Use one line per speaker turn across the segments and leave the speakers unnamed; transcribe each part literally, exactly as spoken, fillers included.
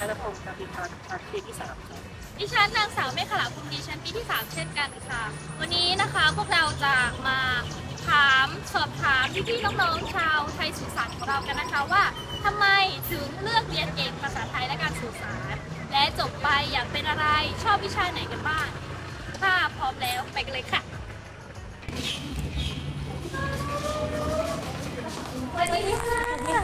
ธนพงศ์การบินทางชั้นปีที่สามครับ
ดิฉันนางสาวเมฆขลาภูมิดีชั้นปีที่สามเช่นกันค่ะ วันนี้นะคะพวกเราจะมาถามสอบถามพี่ๆน้องๆชาวไทยสื่อสารของเรากันนะคะว่าทำไมถึงเลือกเรียนเอกภาษาไทยและการสื่อสาร และจบไปอยากเป็นอะไรชอบวิชาไหนกันบ้างถ้าพร้อมแล้วไปกันเลยค่ะสวัสดีค่ะ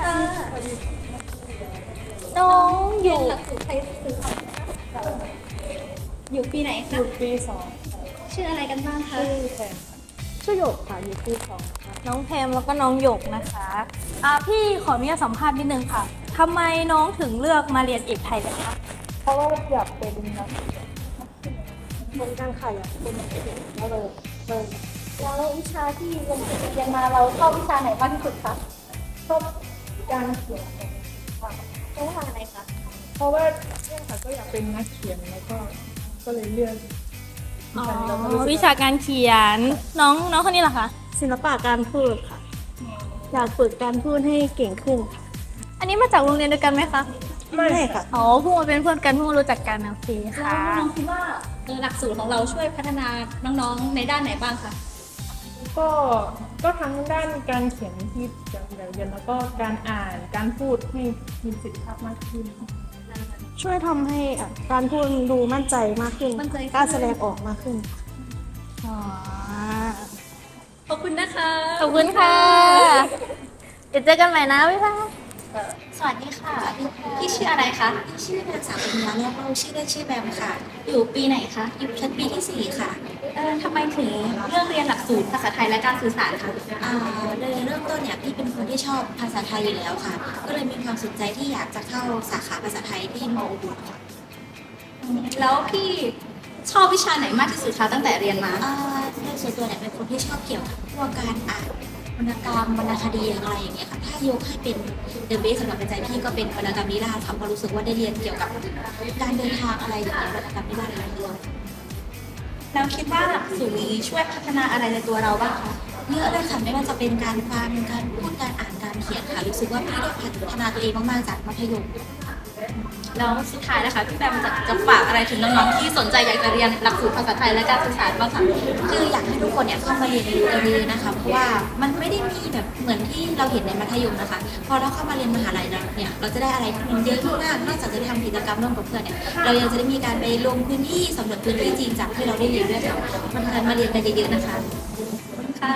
น้องอยู่หลักสูตรไทยสื่อสารอยู่ปีไหนคะ
อยู่ปีสอง
ชื่ออะไรกันบ้างคะ
ชื่อแพมชื่อหยกค่ะอยู่ปีสองค่ะ
น้องแพมแล้วก็น้องหยกนะคะอ่าพี่ขออนุญาตสัมภาษณ์นิดนึงค่ะทำไมน้องถึงเลือกมาเรียนเอกไทยกันคะ
เพราะว่าอยากเป็นนักเหมือนกันค่ะอยากเป็นนักเขียนก็เลยเลย
แล้ววิชาที่เรียนเรียนมาเราชอบวิชาไหนมากที่สุดคะ
ชอบการเขียนค่ะ
เพราะว่าอะไรคะ
เพราะว่าเนี่ยค่ะก็อยากเป็นนักเขียนแล้วก็ก็เลยเลือก
อ๋อ
แล้วก็รู้สึก
วิชาการเขียนน้องน้องคนนี้เหรอคะ
ศิลปะการพูดค่ะ อยากฝึกการพูดให้เก่งขึ้น
อันนี้มาจากโรงเรียนเดียวกันไหมคะ
ไม่
ไม่ค่ะ
อ๋อเพิ่งมาเป็นเพื่อนกันเพิ่งมารู้จักกันโอเคค่ะ
น้องคิดว่าหลักสูตรของเราช่วยพัฒนาน้องๆในด้านไหนบ้างคะ
ก็ก็ทั้งด้านการเขียนที่จะเรียนแล้วก็การอ่านการพูดให้มีประสิทธิภาพมากขึ้น
ช่วยทำให้อ่ะการพูดดูมั่นใจมากขึ้น
มั่นใจขึ้น
กล้ารแสดงออกมากขึ้น
อ๋อ
ขอบคุณนะคะ
ขอบคุณค่ะเดี๋ยวเจอกันใหม่นะบ๊ายบาย
สวัสดีค่ะพี่ชื่ออะไรคะ
ชื่อนางสาวปัญญาแลบเล่าชื่อเล่นชื่อแบมค่ะ
อยู่ปีไหนคะ
อยู่ชั้นปีที่สี่ค่ะ
เอ่อทำไมถึงเลือกเรียนหลักสูตรภาษาไทยและการสื่อสารคะ
อ่าเลยเริ่มต้นเนี่ยพี่เป็นคนที่ชอบภาษาไทยอยู่แล้วค่ะ ก็เลยมีความสนใจที่อยากจะเข้าสาขาภาษาไทยที่มออุบลค่ะ
แล้วพี่ชอบวิชาไหนมากที่สุดคะตั้งแต่เรียนมา
อ่าโดยส่วนตัวเนี่ยเป็นคนที่ชอบเกี่ยวกับพวกการอ่านวรรณกรรมวรรณคดีอะไรอย่างเงี้ยค่ะ ถ้ายกให้เป็นเดอะเบสสำหรับในใจพี่ก็เป็นวรรณกรรมนิราศค่ะเพราะรู้สึกว่าได้เรียนเกี่ยวกับการเดินทางอะไรอย่างเงี้ยวรรณกรรมนิราศหลายเรื่อง
แล้วคิดว่าหลักสูตรนี้ช่วยพัฒนาอะไรในตัวเราบ้างคะ
เยอะเลยค่ะไม่ว่าจะเป็นการฟังการพูดการอ่านการเขียนค่ะรู้สึกว่าพี่ได้พัฒนาตัวเองมากๆจากมัธยม
แล้วสุดท้ายนะคะพี่แบมจะจะฝากอะไรถึงน้องๆที่สนใจอยากจะเรียนหลักสูตรภาษาไทยและการสื่อสารบ้างคะ
คืออยากให้ทุกคนเนี่ยเข้ามาเรียนรู้กันเลยๆนะคะเพราะว่ามันไม่ได้มีแบบเหมือนที่เราเห็นในมัธยมนะคะ พอเราเข้ามาเรียนมหาลัยแล้วเนี่ยเราจะได้อะไรที่มันเยอะมากนอกจากจะได้ทำกิจกรรมร่วมกับเพื่อนเนี่ยเรายังจะได้มีการไปลงพื้นที่สำรวจพื้นที่จริงจากที่เราได้เรียนด้วยค่ะมันทันมาเรียนกันเยอะๆนะคะ
ค่ะ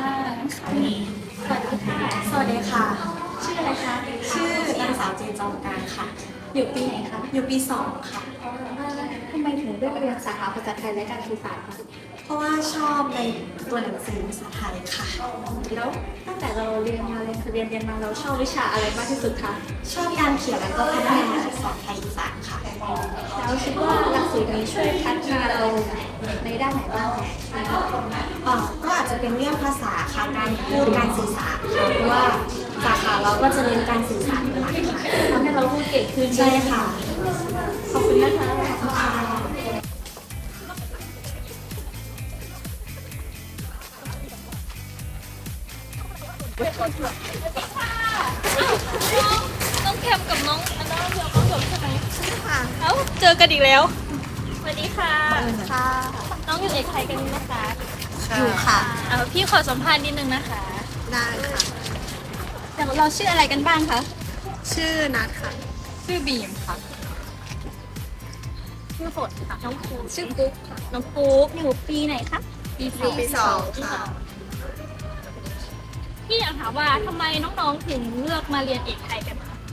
สวัสดีค่ะ ชื่ออะไรคะ ชื่อนางสาวเจนจอมการค่ะ
อยู่ปีไหนคะ
อยู่ปีสองค่ะ
ทำไมถึงเลือกเรียนสาขาภาษาไทยและการสื่อสารคะ
เพราะว่าชอบในตัวหนังสือภาษาไทยค่ะ
แล้วตั้งแต่เราเรียนมาเรียนเรียนเรียนมาเราชอบวิชาอะไรมากที่สุดคะ
ชอบการเขียนแล้วก็พัฒนาสอนไทยอีสานค่ะ
แล้วคิดว่าหลักสูตรนี้ช่วยพัฒนาเราในด้านไหนบ้างคะ
เอ่อก็อาจจะเป็นเรื่องภาษาค่ะ การพูด การสื่อสารค่ะ เพราะว่าสาขาเราก็จะเรียนการสื่อสารเป็นหลักค่ะ
ทำให้เราพูดเก่งขึ้น
ใช่ค่ะ
ขอบคุณนะคะ
น้องแคมกับน้องอันนั้นเดียวน้องหยกใช่ไหมค่ะเอ้าเจอกันอีกแล้วสวัสดีค่ะค่ะ น้องอยู่เอกไทยกันไหมคะ
อยู่ค่ะ
เอาพี่ขอสัมภาษณ์นิดนึงนะคะ
ได้ค่ะ
แต่เราชื่ออะไรกันบ้างคะ
ชื่อนัทค่ะ
ชื่อบีมค่ะ
ชื่อฝนค่ะน้องปูชื่อกุ๊กค่ะน้องกุ๊กอยู่ปีไหนคะ ปีสอง
ปีสองค่ะ
พี่อยากถามว่าทำไมน้องๆถึงเลือกมาเรียนเอกไทยกันคะ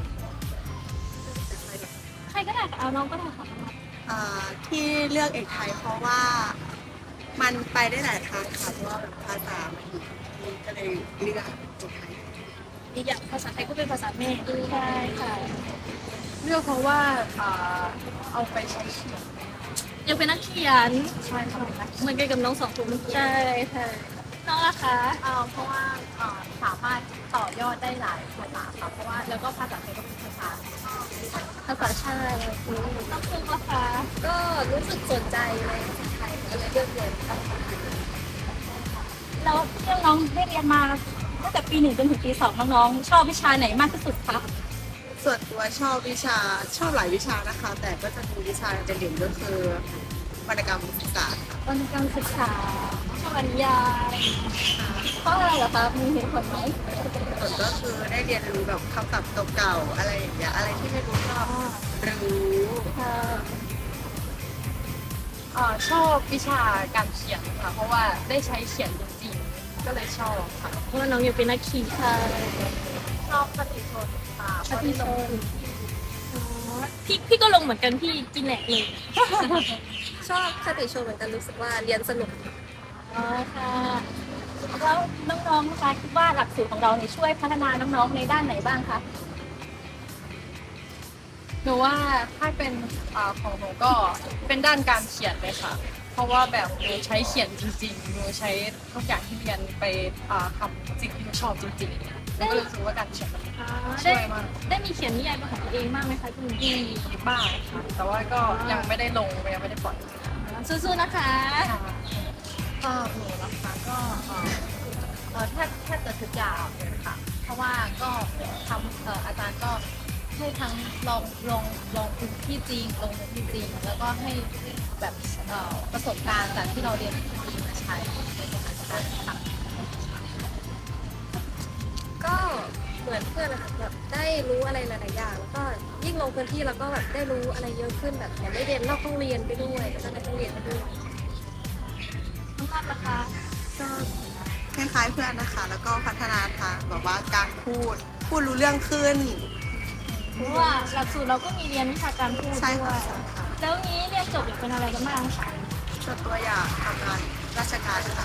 ใครก็ได้ค่ะเอาน้องก็ได้ค่ะ
อ่าที่เลือกเอกไทยเพราะว่ามันไปได้หลายทางค่ะเพราะว่าแบบภาษามันอยู่ที่ก็เลยเลือกเอกไทย
อีกอย่างภาษาไทยก็เป็นภาษาแม่ด้วยใช่ค่ะ
เลือกเพราะว่าอ่าเอาไปใช้เขียน
ยังเป็นนักเขียน
ใช่ค่ะ
เหมือนกันกับน้องสองคนใช่ค่ะน้องล่ะคะ
เอ่อเพราะว่าเอ่อสามารถต่อยอดได้หลายภาษาค่ะเพราะว่าแล้วก็ภาษาไทยก็เป็นภาษา
ภาษาชาติน้องพึ่งล่ะคะ
ก็รู้สึกสนใจในภาษาไทยก็เลยเลือกเรียนค่ะ
แล้วที่น้องได้เรียนมาตั้งแต่ปีหนึ่งจนถึงปีสองน้องๆชอบวิชาไหนมากที่สุดคะ
ส่วนตัวชอบวิชาชอบหลายวิชานะคะ แต่ก็จะมีวิชาเด่นๆก็คือวรรณกรรมศึกษาค่ะ
วรรณกรรมศึกษาชอบบรรยายเพราะอะไรเหรอคะมีเหตุผลไหม
ส่วนก็คือได้เรียนรู้แบบคำศัพท์เก่าๆอะไรอย่างเงี้ยอะไรที่ไม่รู้ก็รู้
อ่าชอบวิชาการเขียนค่ะ เพราะว่าได้ใช้เขียนจริงๆ ก็เลยชอบค่ะ
เพราะว่าน้องอยากเป็นนักขี่ค่ะ
ชอบคติชนค่ะ
คติชนพี่พี่ก็ลงเหมือนกันพี่กินแหลกเลย
ชอบคติชมเหมือนกันรู้สึกว่าเรียนสนุก
อ๋อค่ะ แล้วน้องๆนะคะคิดว่าหลักสูตรของเราเนี่ยช่วยพัฒนาน้องๆในด้านไหนบ้างคะ
หนูว่าถ้าเป็นอ่าของหนูก็เป็นด้านการเขียนเลยค่ะ เพราะว่าแบบหนูใช้เขียนจริงๆหนูใช้ทุกอย่างที่เรียนไปอ่าทำสิ่งที่หนูชอบจริงๆหนูก็เลยรู้สึกว่าการเขียนมันช่วยมาก
ได้มีเขียนนิยายเป็นของตัวเองบ้างไหมคะพี่
มีบ้างค่ะแต่ว่าก็ยังไม่ได้ลงยังไม่ได้ปล่อย
สู้ๆนะคะ
ก็หนูนะคะก็เอ่อเอ่อแทบแทบจะทุกอย่างเลยค่ะ เพราะว่าก็ทำเอ่ออาจารย์ก็ให้ทั้งลองลองลองพื้นที่จริงลงพื้นที่จริง แล้วก็ให้แบบเอ่อประสบการณ์จากที่เราเรียนจริงมาใช้ในสถานการณ์ค่ะ
ก็เหมือนเพื่อนนะคะแบบได้รู้อะไรหลายๆอย่างแล้วก็ยิ่งลงพื้นที่แล้วก็แบบได้รู้อะไรเยอะขึ้นแบบแถมได้เรียนนอกห้องเรียนไปด้วยแล้วก็ได้ห้องเรียนไปด้วย
น้องรับนะคะ
ก็คล้ายๆเพื่อนนะคะ แล้วก็พัฒนาทางแบบว่าการพูดพูดรู้เรื่องขึ้น
เพราะว่าหลักสูตรเราก็มีเรียนวิชาการพูด
ใช่
ด้ว
ค่ะ
ย
ใช่ค่ะ
แล้วนี้เรียนจบอยากเป็นอะไรกันบ้างคะ
ส่วนตัวอยากทำงานราชการค่ะ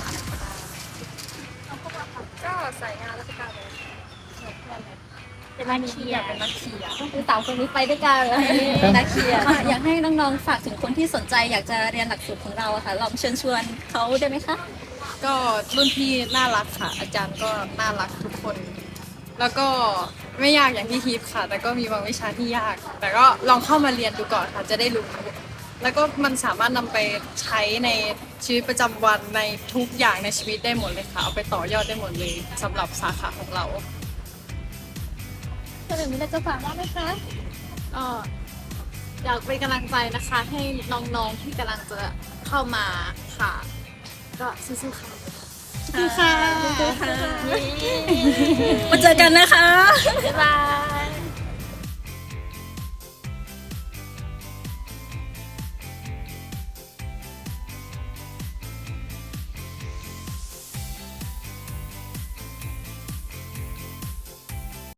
ก็สายงานราชการเลย
เป็นนักเขียนเป็นนักเขียน
คือสามคนนี้ไปด้วยกันนักเขียนอยากให้น้องๆฝากถึงคนที่สนใจอยากจะเรียนหลักสูตรของเราอะค่ะลองเชิญชวนเขาได้ไหมคะ
ก็รุ่นพี่น่ารักค่ะ อาจารย์ก็น่ารักทุกคน แล้วก็ไม่ยากอย่างที่ทิพย์ค่ะ แต่ก็มีบางวิชาที่ยาก แต่ก็ลองเข้ามาเรียนดูก่อนค่ะจะได้รู้ แล้วก็มันสามารถนำไปใช้ในชีวิตประจำวันในทุกอย่างในชีวิตได้หมดเลยค่ะ เอาไปต่อยอดได้หมดเลยสำหรับสาขาของเรา
เฉลิมมีอะไรจะฝากบ้างไหมคะ
ก็อยากเป็นกำลังใจนะคะให้น้องๆที่กำลังจะเข้ามาค่ะ ก็สู้ๆค่ะสู้ๆค่ะมาเจอกันนะคะ
บ๊ายบาย